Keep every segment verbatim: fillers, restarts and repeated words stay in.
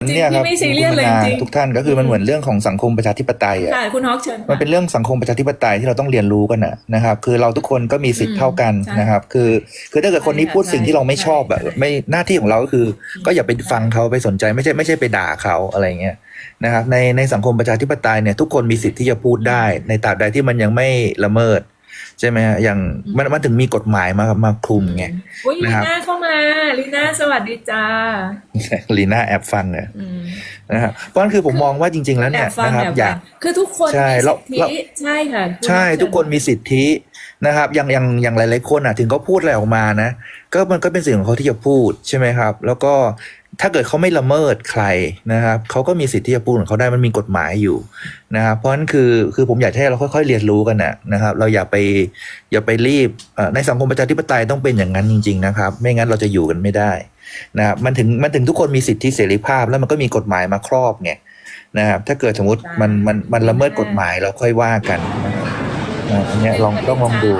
จริงเนี่ยครับพี่ไม่ซีเรียสเลยคุณจริงทุกท่านก็คือมันเหมือนเรื่องของสังคมประชาธิปไตยอ่ะค่ะคุณฮอกเชิญมันเป็นเรื่องสังคมประชาธิปไตยที่เราต้องเรียนรู้กันนะนะครับ คือเราทุกคนก็มีสิทธิ์เท่ากันนะครับ คือคือถ้าเกิดคนนี้พูดสิ่งที่เราไม่ชอบแบบไม่หน้าที่ของเราก็คือ ก็อย่าไปฟังเขาไปสนใจไม่ใช่ไม่ใช่ไปด่าเขาอะไรเงี้ยนะครับในในสังคมประชาธิปไตยเนี่ยทุกคนมีสิทธิ์ที่จะพูดได้ ในตราบใดที่มันยังไม่ละเมิดใช่ไหมฮะอย่างมันมันถึงมีกฎหมายมามาคลุมไงอุ้ยลีนะครับน่าเข้ามาลีน่าสวัสดีจ้าลีน่าแอบฟังเนี่ยอืมนะครับเพราะฉะนั้นคือผมมองว่าจริง ๆ แล้วแอเนี่ยบฟังนะครับแอบอฟัยาง กคือทุกคนใช่มีเราสิทธิเราใช่ค่ะณใช่ฮอกเชิญทุกคนมีสิทธินะครับอย่างอย่างอย่างหลายๆคนอ่ะถึงเขาพูดอะไรออกมานะก็มันก็เป็นสิ่งของเขาที่จะพูดใช่ไหมครับ แล้วก็ถ้าเกิดเขาไม่ละเมิดใครนะครับเขาก็มีสิทธิ์ที่จะพูดของเขาได้มันมีกฎหมายอยู่นะครับเพราะฉะนั้นคือคือผมอยากให้เราค่อยๆเรียนรู้กันนะนะครับเราอย่าไปอย่าไปรีบเอ่อในสังคมประชาธิปไตยต้องเป็นอย่างนั้นจริงๆนะครับไม่งั้นเราจะอยู่กันไม่ได้นะครับมันถึงมันถึงทุกคนมีสิทธิเสรีภาพแล้วมันก็มีกฎหมายมาครอบไงนะครับถ้าเกิดสมมติมันมันมันละเมิดกฎหมายเราค่อยว่ากันนะครับอ่าอันเนี้ยลองต้องลองดู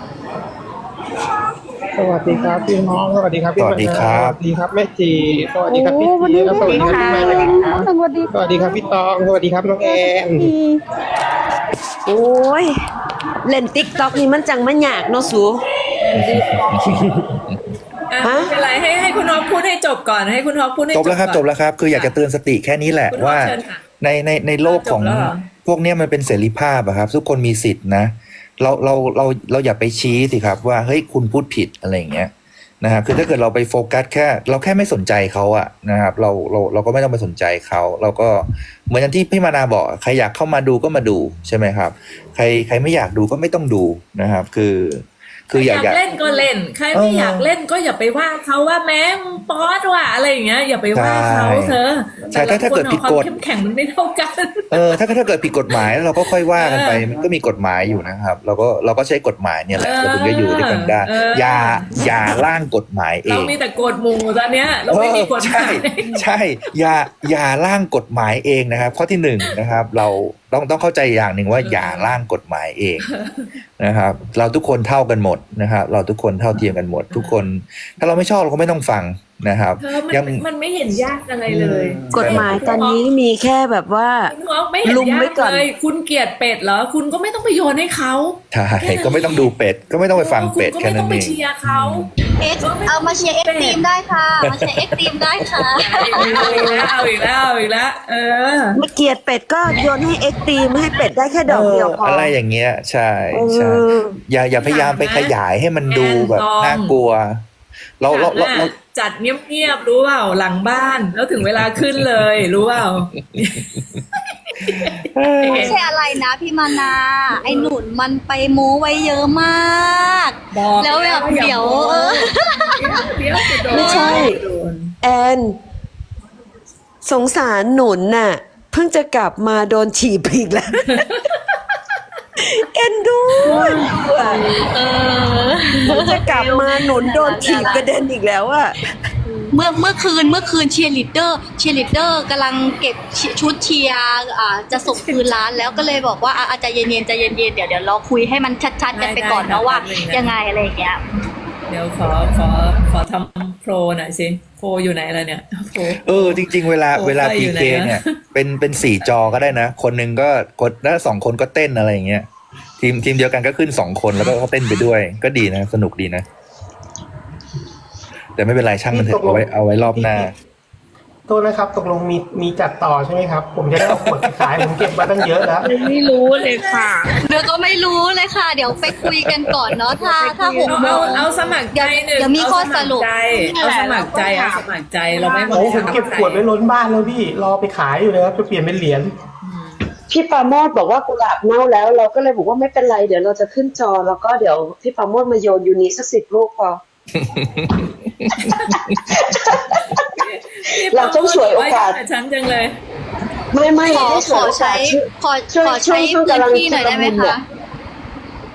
สวัสดีครับพี่น้องสวัสดีครับพี่สวัสดีครับสวัสดีครับแม่จีสวัสดีครับพี่โอ้วันจีนี้แล้วสวัสดีครับพี่แม่สวัสดีค่ะสวัสดีครับพี่ตองสวัสดีครับน้องแอนโอ้ยเล่นติ๊กต็อกนี่มันจังมันยากเนาะสูอ่ะฮะไม่เป็นไรให้ให้คุณฮอกพูดให้จบก่อนให้คุณฮอกพูดให้จจบบ แล้วครับก่อนจบแล้วครับคืออยากจะเตือนสติแค่นี้แหละคุณพ่อว่าเชิญค่ะในในในโลกของจบแล้วเหรอพวกเนี้ยมันเป็นเสรีภาพอะครับ ทุกคนมีสิทธินะเราเราเราเราอย่าไปชี้สิครับว่าเฮ้ยคุณพูดผิดอะไรอย่างเงี้ยนะครับคือถ้าเกิดเราไปโฟกัสแค่เราแค่ไม่สนใจเขาอะนะครับเราเราเราก็ไม่ต้องไปสนใจเขาเราก็เหมือนอย่างที่พี่มานาบอกใครอยากเข้ามาดูก็มาดูใช่ไหมครับ ใครใครไม่อยากดูก็ไม่ต้องดูนะครับ คือคืออยากใครอยากเล่นก็เล่น ใครไม่เอออยากเล่นก็อย่าไปว่าเขาว่าแม่งป๊อดว่ะอะไรอย่างเงี้ยอย่าไปว่าเขาใช่เธอใช่ถ้าถ้าเกิดผิดกฎแต่ละคนของความเข้มแข็งมันไม่เท่ากันเออถ้าถ้าเกิดผิดกฎหมายเราก็ค่อยว่ากันไปเออมันก็มีกฎหมายอยู่นะครับ เราก็เราก็ใช้กฎหมายเนี่ยแหละเออเราถึงจะอยู่ด้วยกันได้เอออย่าอย่าร่างกฎหมายเอเรางมีแต่กฎหมู่ตอนเนี้ยเราไม่มีกฎหใช่มายใช่อย่าอย่าร่างกฎหมายเองนะครับ ข้อที่หนึ่งนะครับ เราต้องต้องเข้าใจอย่างหนึ่งว่าอย่าร่างกฎหมายเองนะครับ เราทุกคนเท่ากันหมดนะครับ เราทุกคนเท่าเทียมกันหมด ทุกคน ถ้าเราไม่ชอบเราก็ไม่ต้องฟังนะครับเธอมันยังมันไม่เห็นยากอะไรเลยกฎหมายตอนนี้มีแค่แบบว่าคุณฮอกไม่เห็นลุมไว้ยากก่อนเลย คุณเกลียดเป็ดเหรอคุณก็ไม่ต้องไปโยนให้เขาใช่ก็ไม่ต้องดูเป็ด ก็ไม่ต้องไปฟังเป็ดคุณแค่ก็ไม่นั้ต้อน งเอไปงเชียร์เขาเอ็กเอามาเชียร์เอ็กทีมได้ค่ะ มาเชียร์เอ็กทีมได้ค่ะเอาอีกแล้วเอาอีกแล้วเอาอีกแล้วเออไม่เกลียดเป็ดก็โยนให้เอ็กตีมให้เป็ดได้แค่ดอกเดียวพอเอออะไรอย่างเงี้ยใช่ใช่เอออย่าอย่าพยายามไปขยายให้มันดูแบบแอนน่ากลัว เราเราเราเราจัดเงียบๆรู้เปล่าหลังบ้านแล้วถึงเวลาขึ้นเลยรู้เปล่าไม่ใช่อะไรนะพี่มานา ไอ้หนุนมันไปโม้ไว้เยอะมากบอกแล้วแบบเดี๋ยวเออเดี๋ยวจะโดนไม่ใช่โดนแอนสงสารหนุนน่ะ เพิ่งจะกลับมาโดนฉีบอีกแล้ว เอ็นดูเออเพิ่งจะกลับมาหนุนโดนฉีบกระเด็นอีกแล้วอะเมื่อเมื่อคืนเมื่อคืนเชียร์ลีดเดอร์เชียร์ลีดเดอร์กำลังเก็บชุดเชียร์อ่าจะส่งคืนร้านแล้วก็เลยบอกว่าอ่ะอ่ะใจเย็นๆใจเย็นๆเดี๋ยวเดี๋ยวเราคุยให้มันชัดๆกันไปก่อนเนาะว่ายังไงอะไรอย่างเงี้ยเดี๋ยวขอขอขอทำโปรหน่อยสิโปรอยู่ไหนล่ะเนี่ยโปรเออจริง ๆ เวลาโอ้เวลาไฟอยู่พีเคไหนอะเนี่ยเป็นเป็นสี่จอก็ได้นะ คนหนึ่งก็กดแล้วสองคนก็เต้นอะไรอย่างเงี้ยทีมทีมเดียวกันก็ขึ้นสองคนแล้วก็เต้นไปด้วย ก็ดีนะ สนุกดีนะ แต่ไม่เป็นไรช่างมันเถอะเอาไว้เอาไว้รอบหน้าโทษนะครับตกลงมีมีจัดต่อใช่ไหมครับ ผมจะได้เอาขวดไปขายผมเก็บมาตั้งเยอะแล้วไม่รู้เลยค่ะเดี๋ยวก็ไม่รู้เลยค่ะ เดี๋ยวไปคุยกันก่อนเนาะถ้าถ้าหกเอาโมเอางเอาสมัครใจหนึ่งเดี๋ยวมีข้อสรุปเอาสมัครใจเอาสมัครใจเอาสมัครใจเราไม่บังโอ้ผคัมบเก็บขวดไว้ล้นบ้านแล้วพี่รอไปขายอยู่นะครับจะเปลี่ยนเป็นเหรียญพี่ปราโมดบอกว่ากุหลาบเน่าแล้ว เราก็เลยบอกว่าไม่เป็นไรเดี๋ยวเราจะขึ้นจอ แล้วก็เดี๋ยวพี่ปราโมดมาโยนยูนิสักสิบลูกพอ เราต้องฉวยโอกาสไว้ฉันจังเลยไม่ไม่ขอให้ขอใช้ขอช่วยขอช่วใช้ยช่วงพื้นกำลังที่หน่อยได้ไหมชุลมุนเนี่คะย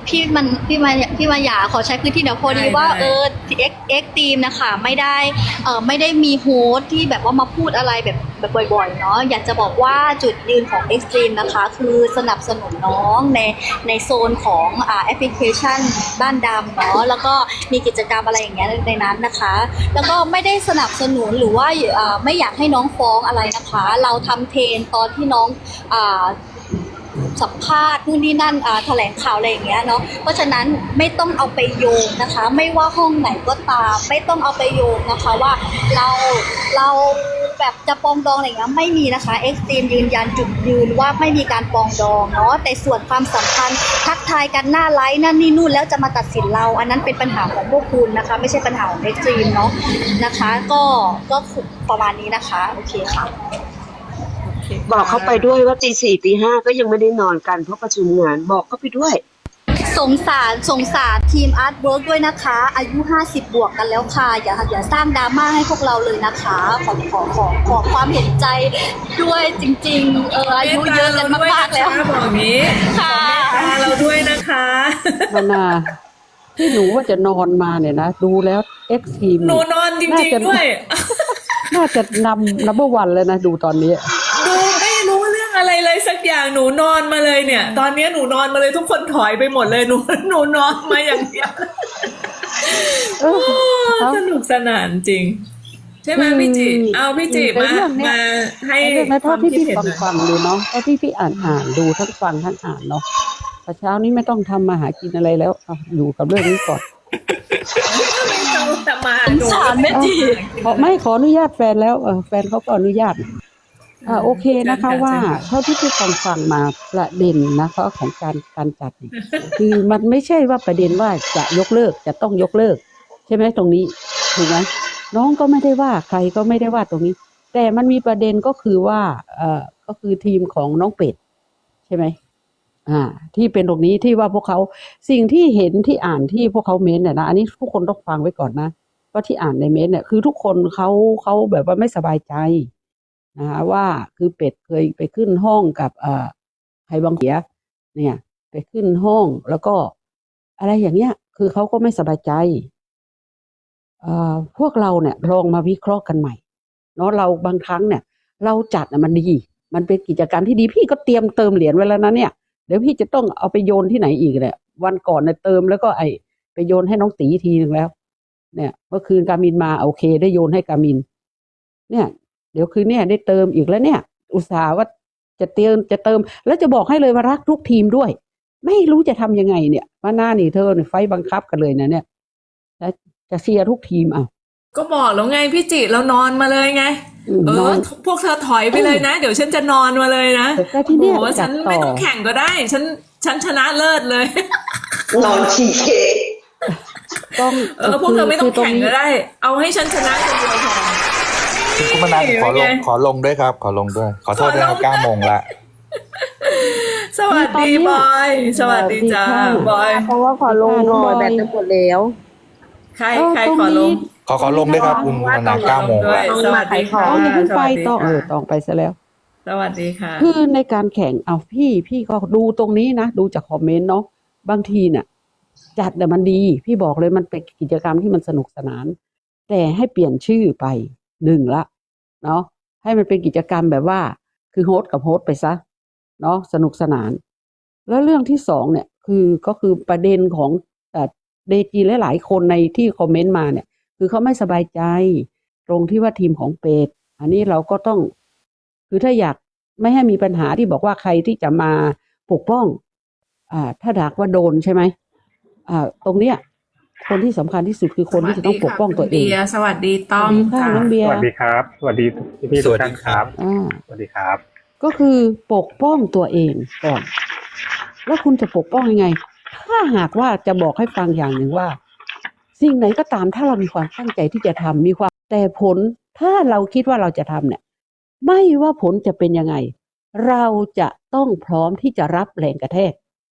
พี่มันพี่มาพี่มาอยากขอใช้พื้นที่เดี๋ยวพอดีได้ว่าได้เออเอ็กเอ็กทีมนะคะไม่ได้เออไม่ได้มีโฮสต์ที่แบบว่ามาพูดอะไรแบบแบบบ่อยๆเนาะอยากจะบอกว่าจุดยืนของ Extreme นะคะคือสนับสนุนน้องในในโซนของอ่าแอปพลิเคชันบ้านดำเนาะแล้วก็มีกิจกรรมอะไรอย่างเงี้ยในนั้นนะคะ แล้วก็ไม่ได้สนับสนุนหรือว่าอ่าไม่อยากให้น้องฟ้องอะไรนะคะ เราทำเทรนตอนที่น้องอ่าสัมภาษณ์นู่นนี่นั่นอ่าแถลงข่าวอะไรอย่างเงี้ยเนาะเพราะฉะนั้นไม่ต้องเอาไปโยงนะคะ ไม่ว่าห้องไหนก็ตาม ไม่ต้องเอาไปโยงนะคะว่าเราเราแบบจะปองดองอะไรอย่างเงี้ยไม่มีนะคะ Extreme ยืนยันจุดยืนว่าไม่มีการปองดองเนาะแต่ส่วนความสัมพันธ์ทักทายกันหน้าไลฟ์นั่นนี่นู่นแล้วจะมาตัดสินเรา อันนั้นเป็นปัญหาของพวกคุณนะคะ ไม่ใช่ปัญหาของ Extreme เนาะนะคะ ก็ก็ประมาณนี้นะคะโอเคค่ะโอเคบอกเขาไปด้วยว่าตีสี่ตีห้าก็ยังไม่ได้นอนกันเพราะประชุมงานบอกเขาไปด้วยสงสารสงสารทีมอาร์ตเวิร์กด้วยนะคะ อายุห้าสิบบวกกันแล้วค่ะ อย่าอย่าสร้างดราม่าให้พวกเราเลยนะคะ ขอขอขอขอความเห็นใจด้วยจริงๆเอออายุเยอะกันมากๆแล้วบอกอย่างนี้ค่ะขอเมตตาเราด้วยนะคะมานาที่หนูว่าจะนอนมาเนี่ยนะดูแล้วเอ็กซ์ทีมหนูนอนจริงๆด้วยน่าจะนำนับวันเลยนะดูตอนนี้ดูไม่รู้เรื่องอะไรเลยสักอย่างหนูนอนมาเลยเนี่ย ตอนนี้หนูนอนมาเลยทุกคนถอยไปหมดเลยหนูหนูนอนมาอย่างเดียวเออโอ้สนุกสนานจริง ใช่ไหมพี่จิเอาพี่จิในมาเรื่องเนี้ยมาให้ในเรื่องในคภาวาพมที่คิดพี่เห็นฟังหน่อยฟังดูเนาะเพราะที่พี่อ่านอ่านดูทั้งฟังทั้งอ่านเนาะแต่เช้านี้ไม่ต้องทำมาหากินอะไรแล้วเอาอยู่กับเรื่องนี้ก่อนไม่ต้องแต่มาสงสารแม่จีขอไม่ขออนุญาตแฟนแล้วเออแฟนเขาก็อนุญาตอ่าโอเคนะคะว่าเท่าที่พี่ฟังฟังมาประเด็นนะคะของการการจัดเนี่ยคือมันไม่ใช่ว่าประเด็นว่าจะยกเลิกจะต้องยกเลิก ใช่ไหมตรงนี้ถูกไหมน้องก็ไม่ได้ว่าใครก็ไม่ได้ว่าตรงนี้ แต่มันมีประเด็นก็คือว่าเอ่อก็คือทีมของน้องเป็ดใช่ไหมอ่า ที่เป็นตรงนี้ที่ว่าพวกเขาสิ่งที่เห็นที่อ่านที่พวกเขาเม้นเนี่ยนะอันนี้ทุกคนต้องฟังไว้ก่อนนะว่าที่อ่านในเม้นเนี่ยคือทุกคนเขาเขาแบบว่าไม่สบายใจนะคะว่าคือเป็ดเคยไปขึ้นห้องกับเอ่อใครบางเสียเนี่ย ไปขึ้นห้องแล้วก็อะไรอย่างเงี้ย คือเขาก็ไม่สบายใจเอ่อพวกเราเนี่ยลองมาวิเคราะห์กันใหม่เนาะเราบางครั้งเนี่ย เราจัดน่ะมันดี มันเป็นกิจกรรมที่ดีพี่ก็เตรียมเติมเหรียญไว้แล้วนะเนี่ยเดี๋ยวพี่จะต้องเอาไปโยนที่ไหนอีกเนี่ยวันก่อนเนี่ยเติมแล้วก็ไอไปโยนให้น้องตีทีหนึ่งแล้ว เนี่ยเมื่อคืนกามินมาโอเค ได้โยนให้กามิน เนี่ย เดี๋ยวคืนเนี่ยได้เติมอีกแล้วเนี่ย อุตส่าห์ว่าจะเติมจะเติม แล้วจะบอกให้เลยว่ารักทุกทีมด้วย ไม่รู้จะทำยังไงเนี่ยมาหน้านี่เธอเนี่ยไฟบังคับกันเลยนะเนี่ยแล้วจะเชียร์ทุกทีมอ่ะก็บอกแล้วไงพี่จิเรานอนมาเลยไงอืมเอนออน พวกเธอถอยไปเลยนะ เดี๋ยวฉันจะนอนมาเลยนะแต่ที่เนี่ยโอ้โหจัฉัดนต่ไม่อต้องแข่งก็ได้ ฉันฉันชนะเลิศเลยนอนฉี่เค้กต้องเออพวกเธอไม่ต้องคืแข่งก็ได้ เอาให้ฉันชนะคนเดียวพอคุณมนัสขอลงเป็นไงขอลงด้วยครับ ขอลงด้วย ขอโทษด้วยครับเก้าโมงละสวัสดีบอย สวัสดีจ้าบอยเพราะว่าขอลงหน่อยแบตจะหมดแล้วใครเออใครตรงขอลนี้งขอขอลงด้วยครับคุณมนัสเก้าโมงด้วยละสวัสดีค่ะเอาอย่าเพิ่งไปสวัสดีต้องเออค่ะต้องไปซะแล้วสวัสดีค่ะคือในการแข่งเอาพี่พี่ก็ดูตรงนี้นะดูจากคอมเมนต์เนาะบางทีเนี่ยจัดแต่ยมันดี พี่บอกเลยมันเป็นกิจกรรมที่มันสนุกสนาน แต่ให้เปลี่ยนชื่อไปหนึ่งละเนาะให้มันเป็นกิจกรรมแบบว่า คือโฮสต์กับโฮสต์ไปซะเนาะสนุกสนาน แล้วเรื่องที่สองเนี่ยคือก็คือประเด็นของเอ่อเดจีหลายๆคนในที่คอมเมนต์มาเนี่ย คือเขาไม่สบายใจ ตรงที่ว่าทีมของเป็ดอันนี้เราก็ต้อง คือถ้าอยากไม่ให้มีปัญหาที่บอกว่าใครที่จะมาปกป้อง อ่า ถ้าดากว่าโดนใช่ไหมอ่า ตรงเนี้ย คนที่สำคัญที่สุดคือคนที่จะต้องปกป้องตัวเองสวัสดีต้อมสวัสดีค่ะค่ะน้องเบียสร์วัสดีครับ สวัสดีพี่พี่ๆทุกท่านครับอ่าสวัสดีครับก็คือปกป้องตัวเองก่อน แล้วคุณจะปกป้องยังไง ถ้าหากว่าจะบอกให้ฟังอย่างหนึ่งว่า สิ่งไหนก็ตามถ้าเรามีความตั้งใจที่จะทำมีความแต่ผลถ้าเราคิดว่าเราจะทำเนี่ย ไม่ว่าผลจะเป็นยังไง เราจะต้องพร้อมที่จะรับแรงกระแทก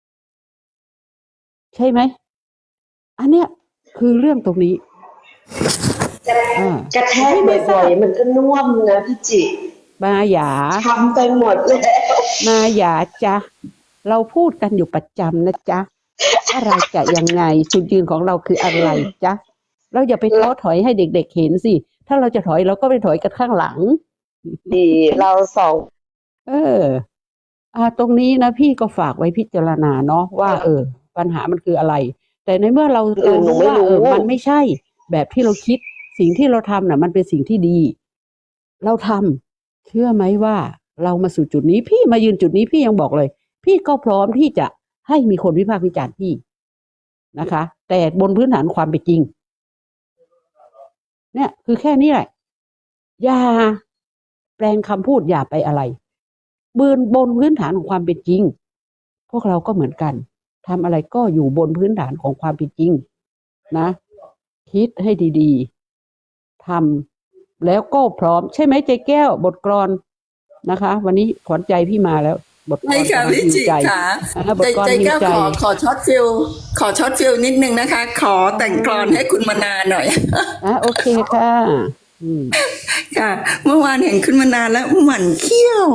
ใช่ไหม อันเนี้ยคือเรื่องตรงนี้อ่ากระแทกบ่อยๆมันก็น่วมนะพี่จิมาหยาทำไปหมดแล้วมาหยาจ้ะเราพูดกันอยู่ประจำนะจ๊ะอะไรจะยังไงจุดยืนของเราคืออะไรจ๊ะเราอย่าไปท้อถอยให้เด็กๆเห็นสิถ้าเราจะถอยเราก็ไปถอยกันข้างหลังดีเราสองเออ อ่า ตรงนี้นะพี่ก็ฝากไว้พิจารณาเนาะว่า เออ ปัญหามันคืออะไร แต่ในเมื่อเราเออหนูไม่ว่ารู้เออมันไม่ใช่ แบบที่เราคิดสิ่งที่เราทำน่ะ มันเป็นสิ่งที่ดี เราทำเชื่อไหมว่าเรามาสู่จุดนี้ พี่มายืนจุดนี้พี่ยังบอกเลย พี่ก็พร้อมที่จะให้มีคนวิพากษ์วิจารณ์พี่นะคะ แต่บนพื้นฐานความเป็นจริง เนี่ย คือแค่นี้แหละ อย่าแปลงคำพูดอย่าไปอะไรบนบนพื้นฐานของความเป็นจริง พวกเราก็เหมือนกันทำอะไรก็อยู่บนพื้นฐานของความเป็นจริง นะ คิดให้ดีๆทำแล้วก็พร้อมใช่ไหมใจแก้วบทกลอนนะคะ วันนี้ขวัญใจพี่มาแล้ว บทกลอนไม่ค่ะกำลังพี่ฮิวจิใจค่ะอ่าบทใจกลอนใจฮิวแก้วใจขอขอช็อตฟิลขอช็อตฟิลนิดนึงนะคะ ขอแต่งกลอนให้คุณมนาหน่อยอ่ะโอเคค่ะ อืมค่ะ เมื่อวานเห็นคุณมนาแล้วหมั่นเขี้ยว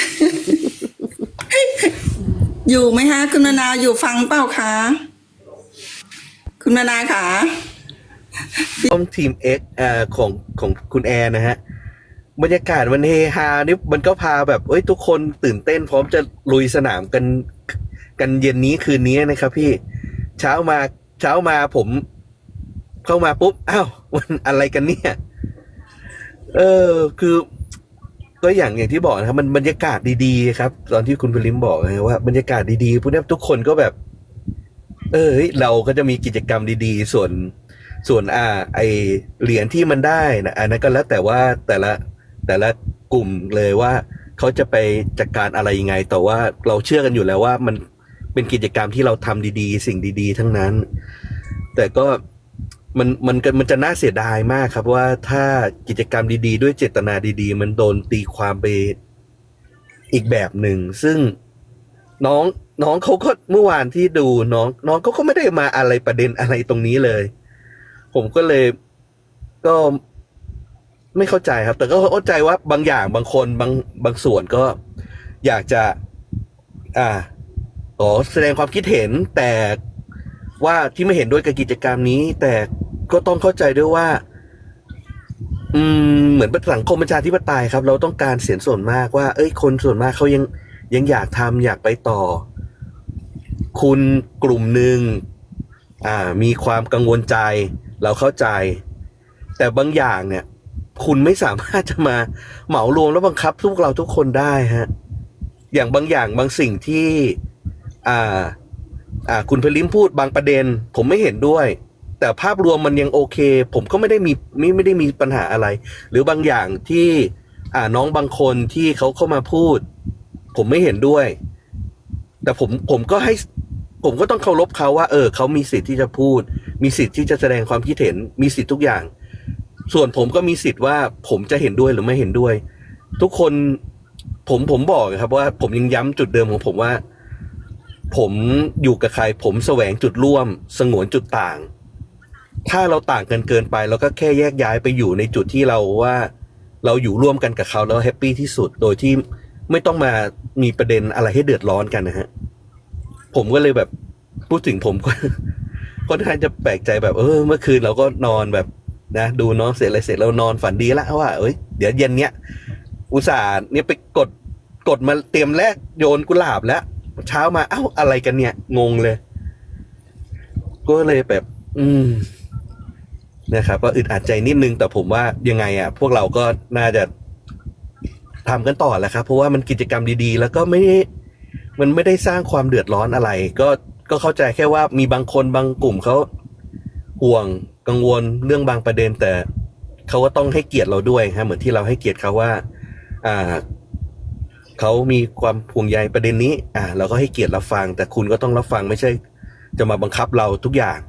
อยู่ไหมคะคุณมนาอยู่ฟังเปล่าคะคุณมนาคะร่วมทีม X อ่าของของคุณแอร์นะฮะบรรยากาศมันเฮฮานี่มันก็พาแบบเอ้ยทุกคนตื่นเต้นพร้อมจะลุยสนามกันกันเย็นนี้คืนนี้นะครับพี่เช้ามาเช้ามาผม เข้ามาปุ๊บอ้าวมันอะไรกันเนี่ย เออคือ ก็อย่างอย่างที่บอกนะครับ มันบรรยากาศดีๆครับ ตอนที่คุณพลิมบอกนะว่าบรรยากาศดีๆพวกนี้ทุกคนก็แบบ เออเฮ้ยเราก็จะมีกิจกรรมดีๆ ส่วนส่วนอ่า ไอเหรียญที่มันได้นะอันนั้นก็แล้วแต่ว่าแต่ละแต่ละกลุ่มเลยว่าเขาจะไปจัดการอะไรยังไง แต่ว่าเราเชื่อกันอยู่แล้วว่ามันเป็นกิจกรรมที่เราทำดีๆ สิ่งดีๆ ทั้งนั้น แต่ก็มันมันมันจะน่าเสียดายมากครับว่าถ้ากิจกรรมดีๆ ด้วยเจตนาดีๆ มันโดนตีความไปอีกแบบหนึ่งซึ่งน้องน้องเขาก็เมื่อวานที่ดูน้องน้องเขาก็ไม่ได้มาอะไรประเด็นอะไรตรงนี้เลย ผมก็เลยก็ไม่เข้าใจครับ แต่ก็เข้าใจว่าบางอย่างบางคนบางบางส่วนก็อยากจะ อ่าขอแสดงความคิดเห็นแต่ว่าที่ไม่เห็นด้วยกับกิจกรรมนี้ แต่ก็ต้องเข้าใจด้วยว่า อืมเหมือนเป็นสังคมประชาธิปไตยครับ เราต้องการเสียงส่วนมากว่า เอ้ยคนส่วนมากเขายังยังอยากทำอยากไปต่อ คุณกลุ่มหนึ่งอ่า มีความกังวลใจ เราเข้าใจ แต่บางอย่างเนี่ย คุณไม่สามารถจะมาเหมารวมแล้วบังคับพวกเราทุกคนได้ฮะ อย่างบางอย่างบางสิ่งที่ อ่า อ่า คุณพลิมพูดบางประเด็น ผมไม่เห็นด้วย แต่ภาพรวมมันยังโอเค ผมก็ไม่ได้มีไม่ไม่ได้มีปัญหาอะไร หรือบางอย่างที่ อ่าน้องบางคนที่เขาเข้ามาพูด ผมไม่เห็นด้วย แต่ผมผมก็ให้ ผมก็ต้องเคารพเขาว่า เออเขามีสิทธิ์ที่จะพูด มีสิทธิ์ที่จะแสดงความคิดเห็น มีสิทธิ์ทุกอย่าง ส่วนผมก็มีสิทธิ์ว่าผมจะเห็นด้วยหรือไม่เห็นด้วย ทุกคนผมผมบอกครับว่าผมยังย้ำจุดเดิมของผมว่า ผมอยู่กับใคร ผมแสวงจุดร่วมสงวนจุดต่าง ถ้าเราต่างกันเกินไปเราก็แค่แยกย้ายไปอยู่ในจุดที่เราว่าเราอยู่ร่วมกันกับเขาแล้วแฮปปี้ที่สุดโดยที่ไม่ต้องมามีประเด็นอะไรให้เดือดร้อนกันนะฮะผมก็เลยแบบพูดถึงผมก็ ค่อนข้างจะแปลกใจแบบเออเมื่อคืนเราก็นอนแบบนะดูน้องเสร็จอะไรเสร็จเรานอนฝันดีละว่าเอ้ยเดี๋ยวเย็นเนี้ยอุตส่าห์เนี่ยไปกดกดมาเตรียมแลกโยนกุหลาบแล้วเช้ามาเอ้าอะไรกันเนี่ยงงเลยก็เลยแบบ อืมนะครับก็อึดอัดใจนิดนึงแต่ผมว่ายังไงอ่ะพวกเราก็น่าจะทำกันต่อแหละครับเพราะว่ามันกิจกรรมดีๆแล้วก็ไม่มันไม่ได้สร้างความเดือดร้อนอะไรก็ก็เข้าใจแค่ว่ามีบางคนบางกลุ่มเขาห่วงกังวลเรื่องบางประเด็นแต่เขาก็ต้องให้เกียรติเราด้วยฮะเหมือนที่เราให้เกียรติเขาว่า อ่าเขามีความห่วงใยประเด็นนี้ อ่าเราก็ให้เกียรติรับฟังแต่คุณก็ต้องรับฟังไม่ใช่จะมาบังคับเราทุกอย่าง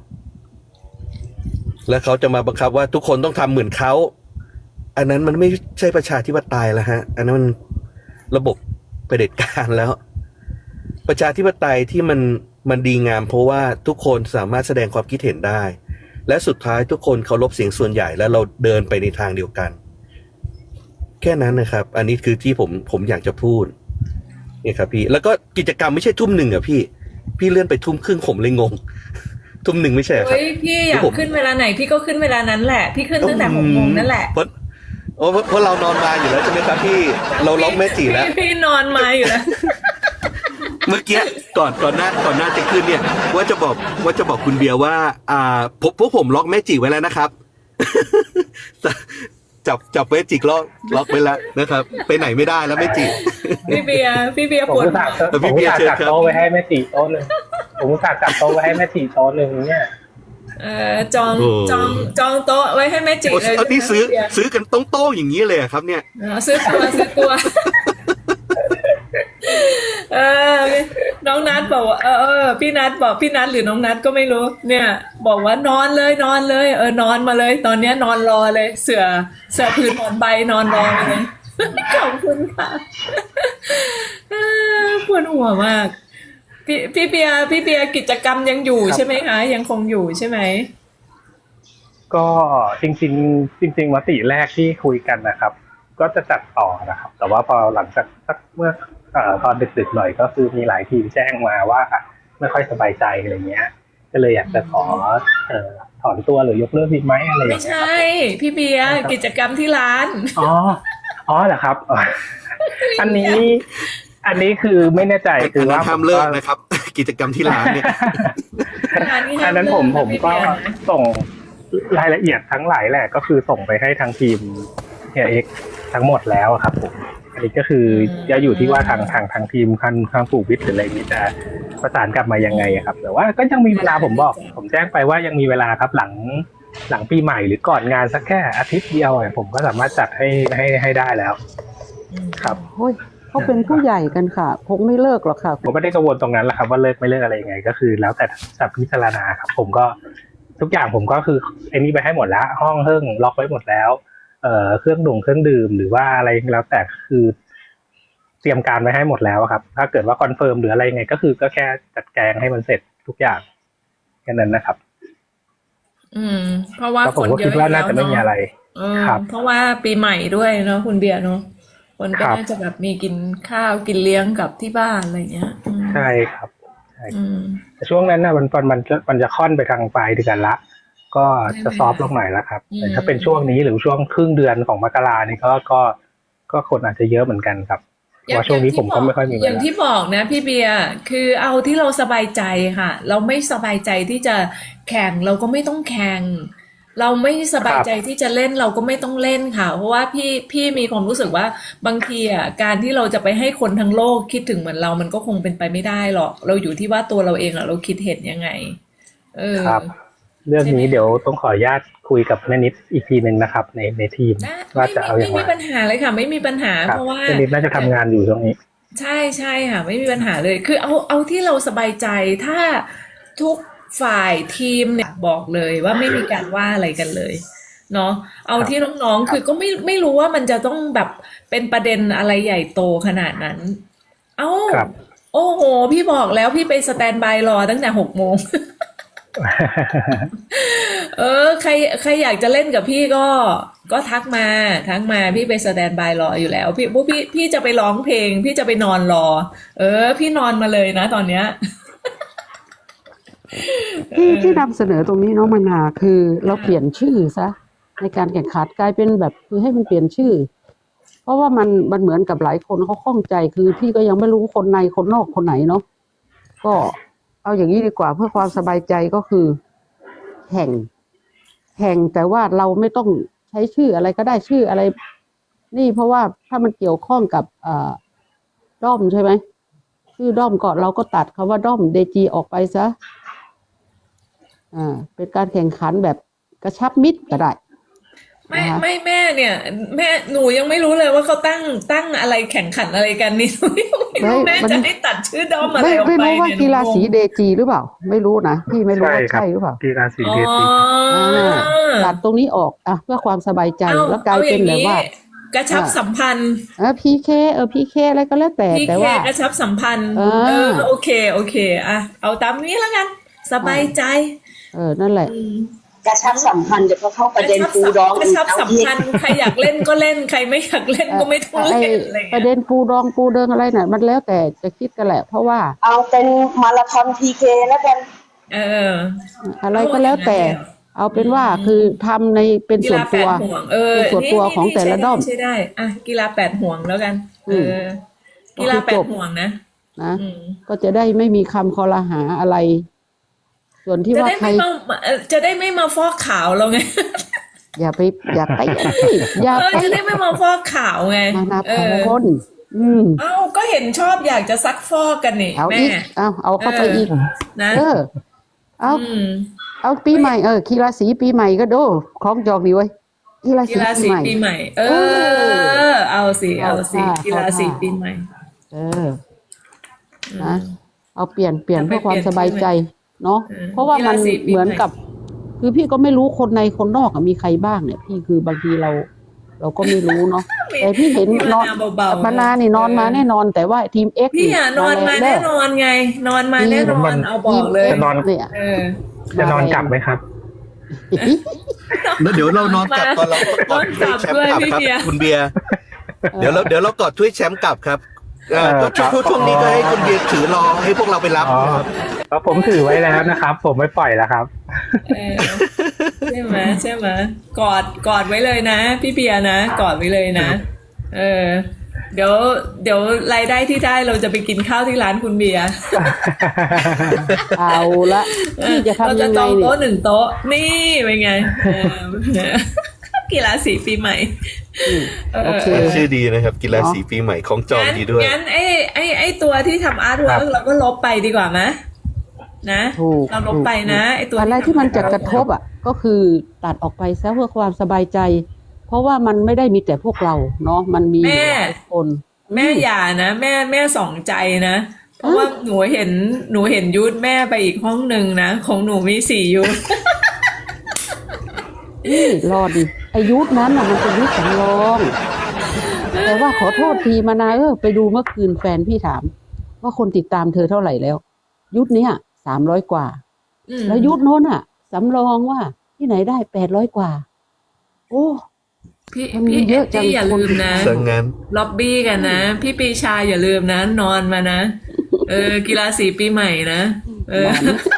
แล้วเขาจะมาบังคับว่าทุกคนต้องทำเหมือนเขาอันนั้นมันไม่ใช่ประชาธิปไตยแล้วฮะอันนั้นมันระบบเผด็จการแล้ว ประชาธิปไตยที่มันมันดีงามเพราะว่าทุกคนสามารถแสดงความคิดเห็นได้และสุดท้ายทุกคนเคารพเสียงส่วนใหญ่แล้วเราเดินไปในทางเดียวกันแค่นั้นนะครับอันนี้คือที่ผมผมอยากจะพูดเนี่ยครับพี่แล้วก็กิจกรรมไม่ใช่ทุ่มหนึ่งอ่ะพี่พี่เลื่อนไปทุ่มครึ่งผมเลยงง ทุ่มหนึ่งไม่ใช่เหรอครับเฮ้ยพี่อยากผมขึ้นเวลาไหนพี่ก็ขึ้นเวลานั้นแหละ พี่ขึ้นตั้งแต่หกโมงนั่นแหละเพราะโอ้เพราะเพราะเรานอนมาอยู่แล้วใช่ไหมครับพี่เราล็อกแม่จีแล้วพี่พี่นอนมาอยู่แล้วเมื่อกี้ก่อนก่อนหน้าก่อนหน้าจะขึ้นเนี่ย ว่าจะบอกว่าจะบอกคุณเบียร์ว่า อ่าพวกพวกผมล็อกแม่จีไว้แล้วนะครับ จับจับแม่จีล็อกล็อกไว้แล้วนะครับ ไปไหนไม่ได้แล้วแม่จีพี่เบียร์พี่เบียร์ผมปวดอุตส่าห์เออผพี่มเบีอุตยร์ส่าห์เชิญครับจัดโต๊ะไว้ให้แม่ตีโต๊ะหนึ่งผมอุตส่าห์จัดโต๊ะไว้ให้แม่ตีโต๊ะหนึ่งเนี่ยเอ่อจองโอ้จองจองโต๊ะไว้ให้แม่จิโอ้เลยเอานี่ซื้อพี่เบียร์ซื้อกันต้องโต้งอย่างนี้เลยเหรอครับเนี่ยเออซื้อตัวซื้อตัว เออน้องนัทบอกว่าเออเออพี่นัทบอกพี่นัทหรือน้องนัทก็ไม่รู้ เนี่ย บอกว่านอนเลยนอนเลย เออนอนมาเลย ตอนเนี้ยนอนรอเลย เสือเสือผืนหมอนใบนอนรอมาเลย ขอบคุณค่ะเออปวดหัวมาก พี่พี่เบียร์พี่เบียร์กิจกรรมยังอยู่ครับใช่ไหมคะยังคงอยู่ใช่ไหมก็จริงๆจริงๆมติแรกที่คุยกันนะครับ ก็จะจัดต่อนะครับ แต่ว่าพอหลังจากสักเมื่อเอ่อตอนดึกๆหน่อยก็คือมีหลายทีมแจ้งมาว่าไม่ค่อยสบายใจอะไรเงี้ย ก็เลยอยากจะขอเอ่อถอนตัวหรือยกเลิกดีไหมอะไรอย่างไม่เงี้ยใช่ พี่เบียร์กิจกรรมที่ร้านอ๋ออ๋อเหรอครับอ๋ออันนี้ อันนี้คือไม่แน่ใจคือว่าห้ามเลิกนะครับ กิจกรรมที่ร้านเนี่ยอันนั้นผมผมก็ส่งรายละเอียดทั้งหลายแหละก็คือส่งไปให้ทางทีมเฮียเอ็กทั้งหมดแล้วอะครับผมอันนี้ก็คือจะอยู่ที่ว่าทางทางทางทีมทางทางผูกวิทย์หรืออะไรนี้จะประสานกลับมายังไงอะครับ แต่ว่าก็ยังมีเวลาผมบอก ผมแจ้งไปว่ายังมีเวลาครับหลังหลังปีใหม่หรือก่อนงานสักแค่อาทิตย์เดียวอะผมก็สามารถจัดให้ให้ให้ได้แล้ว ครับโอ้ยเขาเป็นผู้ใหญ่กันค่ะคงไม่เลิกหรอกค่ะผมไม่ได้กังวลตรงนั้นแหละครับว่าเลิกไม่เลิกอะไรยังไง ก็คือแล้วแต่จะพิจารณาครับ ผมก็ทุกอย่างผมก็คือไอ้นี่ไปให้หมดแล้ว ห้องเครื่องล็อกไว้หมดแล้ว เอ่อเครื่องดื่มเครื่องดื่มหรือว่าอะไรแล้วแต่คือเตรียมการไว้ให้หมดแล้วครับ ถ้าเกิดว่าคอนเฟิร์มหรืออะไรยังไง ก็คือก็แค่จัดแจงให้มันเสร็จทุกอย่างแค่นั้นนะครับอืม เพราะว่าก็ผคมนก็เยคิดอะว่าน่าจะไม่มีอะไรเออครับเพราะว่าปีใหม่ด้วยเนาะคุณเบียร์เนาะคนก็ครับน่าจะแบบมีกินข้าวกินเลี้ยงกับที่บ้านอะไรเงี้ยอืมใช่ครับใช่อืมแต่ช่วงนั้นนะมันมันมันจะมันจะค่อนไปทางปลายเดือนละ ก็จะซอฟต์ลงหน่อยแล้วครับอืมแต่ถ้าเป็นช่วงนี้หรือช่วงครึ่งเดือนของมกรานี่ก็ก็ก็คนอาจจะเยอะเหมือนกันครับเพราะว่าช่วงนี้ผมก็ไม่ค่อยมีเวอย่างลาที่บอกนะพี่เบียร์คือเอาที่เราสบายใจค่ะ เราไม่สบายใจที่จะแข่งเราก็ไม่ต้องแข่ง เราไม่สบายใจที่จะเล่นเราก็ไม่ต้องเล่นค่ะ เพราะว่าพี่พี่มีความรู้สึกว่าบางทีอ่ะการที่เราจะไปให้คนทั้งโลกคิดถึงเหมือนเรามันก็คงเป็นไปไม่ได้หรอก เราอยู่ที่ว่าตัวเราเองอ่ะเราคิดเห็นยังไง เออครับ เรื่องนี้เดี๋ยวต้องขออนุญาตคุยกับแม่นิดอีกทีหนึ่งนะครับ ในในทีมนะว่าไม่จะเอาอไม่ย่างมีไรปัญหาเลยค่ะ ไม่มีปัญหาครับเพราะว่าแม่นิดน่าจะทำงานอยู่ช่วงนี้ใช่ใช่ค่ะ ไม่มีปัญหาเลย คือเอาเอาที่เราสบายใจถ้าทุกฝ่ายทีมเนี่ยบอกเลยว่าไม่มีการว่าอะไรกันเลยเนาะเอาที่น้องๆคือก็ไม่ไม่รู้ว่ามันจะต้องแบบเป็นประเด็นอะไรใหญ่โตขนาดนั้น เอ้าครับโอ้โห พี่บอกแล้วพี่ไปสแตนบายรอตั้งแต่หกโมง เออใครใครอยากจะเล่นกับพี่ก็ก็ทักมาทักมาพี่ไปสแตนบายรออยู่แล้ว พี่พวกพี่พี่จะไปร้องเพลง พี่จะไปนอนรอ เออ พี่นอนมาเลยนะตอนเนี้ยที่ที่นำเสนอตรงนี้น้องมนาคือเราเปลี่ยนชื่อซะในการแข่งขันกลายเป็นแบบคือให้มันเปลี่ยนชื่อ เพราะว่ามันมันเหมือนกับหลายคนเขาข้องใจคือพี่ก็ยังไม่รู้คนในคนนอกคนไหนเนาะก็เอาอย่างนี้ดีกว่าเพื่อความสบายใจก็คือแข่งแข่งแต่ว่าเราไม่ต้องใช้ชื่ออะไรก็ได้ชื่ออะไร นี่เพราะว่าถ้ามันเกี่ยวข้องกับอ่าด้อมใช่ไหมชื่อด้อมก่อนเราก็ตัดคำว่าด้อมเดจีออกไปซะอ่าเป็นการแข่งขันแบบกระชับมิตรก็ได้ไม่นะคะไม่แม่เนี่ย แม่หนูยังไม่รู้เลยว่าเขาตั้งตั้งอะไรแข่งขันอะไรกันนี่ หนูยังไม่รู้แม่จะให้ตัดชื่อด้อมอะไรไม่ออกไม่ไปรู้ว่าเนี่ยกีฬาสีหนูงงเดจีหรือเปล่า ไม่รู้นะพี่ไม่รู้ใช่ว่าครับใช่หรือเปล่ากีฬาสีอ๋อเดซีอ่าตัดตรงนี้ออกอ่ะเพื่อความสบายใจเอาแล้วกลายเอาอเป็นย่างแบบนี้ว่ากระชับอ่าสัมพันธ์เออพีเคเออพีเคอะไรก็แล้วแต่พี่แต่เคว่ากระชับสัมพันธ์เออเออโอเคโอเคอ่ะเอาตามนี้แล้วกัน สบายใจเออนั่นแหละอืมกระชับสัมพันธ์เดี๋ยวก็เข้าประเด็นปูดองกระอีกชับเอาสัมอีกพันธ์ใครอยากเล่นก็เล่นใครไม่อยากเล่นก็ไม่ต้องไอ้เล่นอะไรอย่างประเงี้ยเด็นปูดองปูเดิงอะไรน่ะมันแล้วแต่จะคิดกันแหละ เพราะว่าเอาเป็นมาราธอนพีเคแล้วกันเอออะไรก็แล้วแต่ เอาเป็นว่าคือทำในเป็นกีส่วนฬาแปตัวดห่วงเออเป็นส่วนตัวของแต่ละด้อมใช่ได้อ่ะกีฬาแปดห่วงแล้วกัน เอออกีฬาแปดห่วงนะนะอืมก็จะได้ไม่มีคำคอรหาอะไร ส่วนที่จะว่าได้ใครไม่มาเอ่อจะได้ไม่มาฟอกขาวเราไงอย่าไปอย่าไปอย่าเออไปจะได้ไม่มาฟอกขาวไงมานาเอพอรอืมเอ้าก็เห็นชอบอยากจะซักฟอกกันนี่เอาแม่อีกเอาเอาเข้าไปอีกนะเออ เอาอืมเอาปีใหม่เออกีฬาสีปีใหม่ก็ดูคล้องจองดีไว้ยกีฬากีสีฬาปีสีใหม่ปีใหม่ เออ เอาสิเอาสิเอาท่ากีฬาสีเอาท่าปีใหม่เออนะเอาเปลี่ยนเปลี่ยนเอาไปเพื่อความเปลี่ยนสบายใจเนาะเออเพราะว่ามันกีฬาสีปีเหมือนใหม่กับ คือพี่ก็ไม่รู้คนในคนนอกอะมีใครบ้างเนี่ย พี่คือบางทีเรา เราก็ไม่รู้เนาะแต่พี่เห็นพี่นอนมาเบาๆมานานี่นอนมาแน่นอน แต่ว่าทีมเอ็กพี่อ่ะนอนมาแน่นอนไง นอนมาแน่นอนเอาบอกเลยจะนอนเนี่ยเออจะนอนกลับไหมครับแล้วเดี๋ยวเรานอนกลับตอนเรากอดถ้วยแชมป์กลับครับคุณเบียร์เดี๋ยวเราเดี๋ยวเรากอดถ้วยแชมป์กลับครับเอ่อก็ช่วงช่วงนี้ก็ให้คุณเบียร์ถือรอให้พวกเราไปรับอ๋อนะครับแล้วผมถือไว้แล้วนะครับ ผมไม่ปล่อยแล้วครับเออใช่ไหมใช่ไหมกอดกอดไว้เลยนะ พี่เบียร์นะกอดไว้เลยนะ เออ เดี๋ยว เดี๋ยวรายได้ที่ได้เราจะไปกินข้าวที่ร้านคุณเบียร์เอาละพี่จะเราทำจะยังจไงองเนี่ยโต๊ะหนึ่งโต๊ะนี่เป็นไงเออกีฬาสีปีใหม่อืมเออโอเคชื่อดีนะครับ กีฬาสีปีใหม่ของจองงั้นดีด้วยงั้นไอ้ไอ้ไอ้ตัวที่ทำอาร์ตเวิครัร์กบเราก็ลบไปดีกว่าไหมนะถูกเราลบไปนะไอ้ตัวอะไรที่มันจะกระทบอ่ะ ก็คือตัดออกไปซะเพื่อความสบายใจ เพราะว่ามันไม่ได้มีแต่พวกเราเนาะมันมีหลายคนแม่อย่านะแม่แม่สองใจนะเพราะว่าหนูเห็นหนูเห็นยุทธแม่ไปอีกห้องหนึ่งนะของหนูมีสี่ยุทธนี่รอดิอายุธนั้นน่ะมันเป็นยุทธสำรอง แต่ว่าขอโทษทีมานาเออไปดูเมื่อคืนแฟนพี่ถาม ว่าคนติดตามเธอเท่าไหร่แล้ว ยุทธเนี้ยสามร้อยกว่าอืมแล้วยุทธโน้นอ่ะสำรองว่าที่ไหนได้แปดร้อยกว่า โอ้พี่มันมีพี่เยเออะตจังตี้อย่าลืมนะสังงานล็อบบี้กันนะ พี่ปีชาอย่าลืมนะ นอนมานะ เออ กีฬาสีปีใหม่นะเออ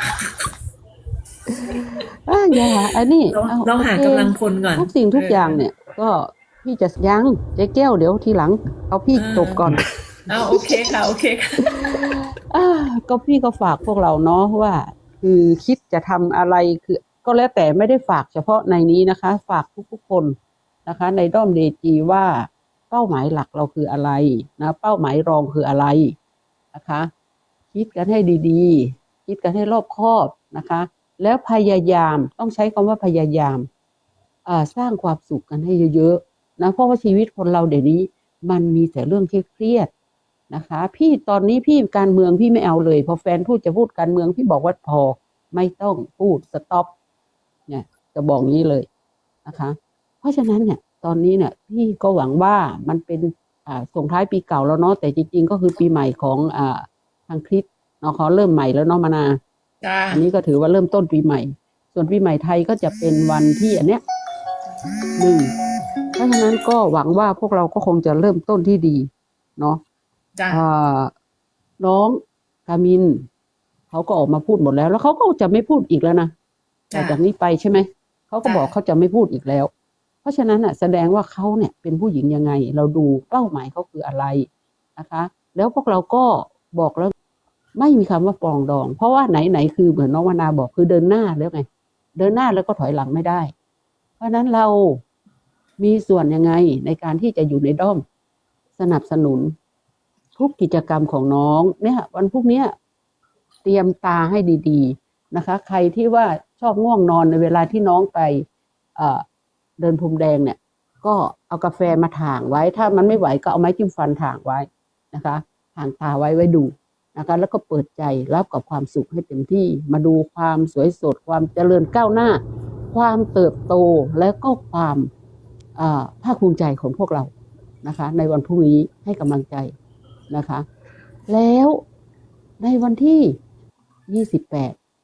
อ่ะอย่าอันนี้เราอเราหาโอคกำลังพลก่อนทุกสิ่งทุกอย่างเนี่ย ก็พี่จะยังเจ๊แก้วเดี๋ยวทีหลัง เอาพี่จบก่อนเอาโอเคค่ะโอเคค่ะอ่าก็พี่ก็ฝากพวกเราเนาะว่า คือคิดจะทำอะไรคือ ก็แล้วแต่ไม่ได้ฝากเฉพาะในนี้นะคะ ฝากทุกๆคนนะคะ ในด้อมเดจีว่าเป้าหมายหลักเราคืออะไรนะเป้าหมายรองคืออะไรนะคะ คิดกันให้ดีๆ คิดกันให้รอบคอบนะคะ แล้วพยายามต้องใช้คำว่าพยายามอ่าสร้างความสุขกันให้เยอะๆนะเพราะว่าชีวิตคนเราเดี๋ยวนี้ มันมีแต่เรื่องเครียดๆนะคะ พี่ตอนนี้พี่การเมืองพี่ไม่เอาเลยพอแฟนพูดจะพูดการเมืองพี่บอกว่าพอไม่ต้องพูดสต็อปเนี่ยจะบอกงี้เลยนะคะ เพราะฉะนั้นเนี่ย ตอนนี้เนี่ยพี่ก็หวังว่ามันเป็นอ่าส่งท้ายปีเก่าแล้วเนาะแต่จริงๆก็คือปีใหม่ของอ่าทางคริสต์เนาะเขาเริ่มใหม่แล้วเนาะมานาจ้าอันนี้ก็ถือว่าเริ่มต้นปีใหม่ ส่วนปีใหม่ไทยก็จะเป็นวันที่อันเนี้ยหนึ่งเพราะฉะนั้นก็หวังว่าพวกเราก็คงจะเริ่มต้นที่ดีเนาะจ้าอ่าน้องกามินเขาก็ออกมาพูดหมดแล้ว แล้วเขาก็จะไม่พูดอีกแล้วนะแต่จากนี้ไปใช่ไหมเขาก็บอกเขาจะไม่พูดอีกแล้ว เพราะฉะนั้นอ่ะแสดงว่าเขาเนี่ยเป็นผู้หญิงยังไง เราดูเป้าหมายเขาคืออะไรนะคะ แล้วพวกเราก็บอกแล้ว ไม่มีคำว่าปรองดอง เพราะว่าไหนๆคือเหมือนน้องวนาบอกคือเดินหน้าแล้วไง เดินหน้าแล้วก็ถอยหลังไม่ได้ เพราะฉะนั้นเรามีส่วนยังไงในการที่จะอยู่ในด้อมสนับสนุน ทุกกิจกรรมของน้องเนี่ย วันพรุ่งเนี้ยเตรียมตาให้ดีๆนะคะ ใครที่ว่าชอบง่วงนอนในเวลาที่น้องไปเอ่อเดินพรมแดงเนี่ย ก็เอากาแฟมาถ่างไว้ ถ้ามันไม่ไหวก็เอาไม้จิ้มฟันถ่างไว้นะคะถ่างตาไว้ไว้ดูนะคะแล้วก็เปิดใจรับกับความสุขให้เต็มที่มาดูความสวยสดความเจริญก้าวหน้า ความเติบโตและก็ความอ่าภาคภูมิใจของพวกเรานะคะ ในวันพรุ่งนี้ให้กำลังใจนะคะ แล้วในวันที่ยี่สิบแปด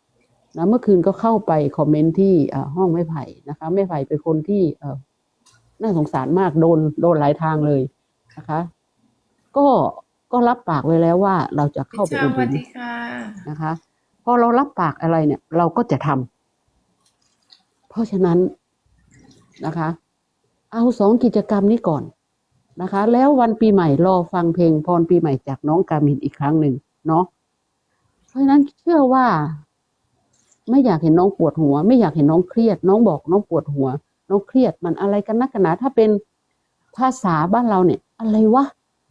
นะเมื่อคืนก็เข้าไปคอมเมนต์ที่เอ่อห้องแม่ไผ่นะคะแม่ไผ่เป็นคนที่เอ่อน่าสงสารมากโดนโดนหลายทางเลยนะคะ ก็ก็รับปากไว้แล้วว่าเราจะเข้าไปพี่อุชาดสหนุวัสนดีค่ะนะคะพอเรารับปากอะไรเนี่ย เราก็จะทำเพราะฉะนั้นนะคะ เอาสองกิจกรรมนี้ก่อนนะคะ แล้ววันปีใหม่รอฟังเพลงพรปีใหม่จากน้องกามินอีกครั้งหนึ่งเนาะเพราะฉะนั้นเชื่อว่า ไม่อยากเห็นน้องปวดหัว ไม่อยากเห็นน้องเครียด น้องบอกน้องปวดหัว น้องเครียดมันอะไรกันนักกันหนาถ้าเป็นภาษาบ้านเราเนี่ย อะไรวะ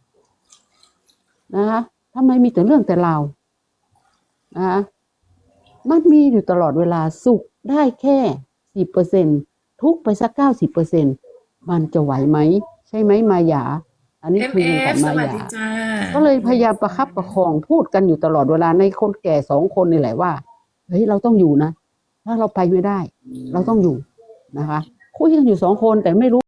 นะคะทำไมมีแต่เรื่องแต่ราวนะคะมันมีอยู่ตลอดเวลาสุขได้แค่สิบเปอร์เซ็นทุกข์ไปสักเก้าสิบเปอร์เซ็นมันจะไหวไหมใช่ไหมมายา อันนี้คุยกันกับเอ็ม เอฟ สมาวัสยาดีจ้าก็เลยพยายามประคับประคองพูดกันอยู่ตลอดเวลาในคนแก่สองคนนี่แหละว่าเฮ้ยเราต้องอยู่นะถ้าเราไปไม่ได้ เราต้องอยู่นะคะคุยกันอยู่สองคนแต่ไม่รู้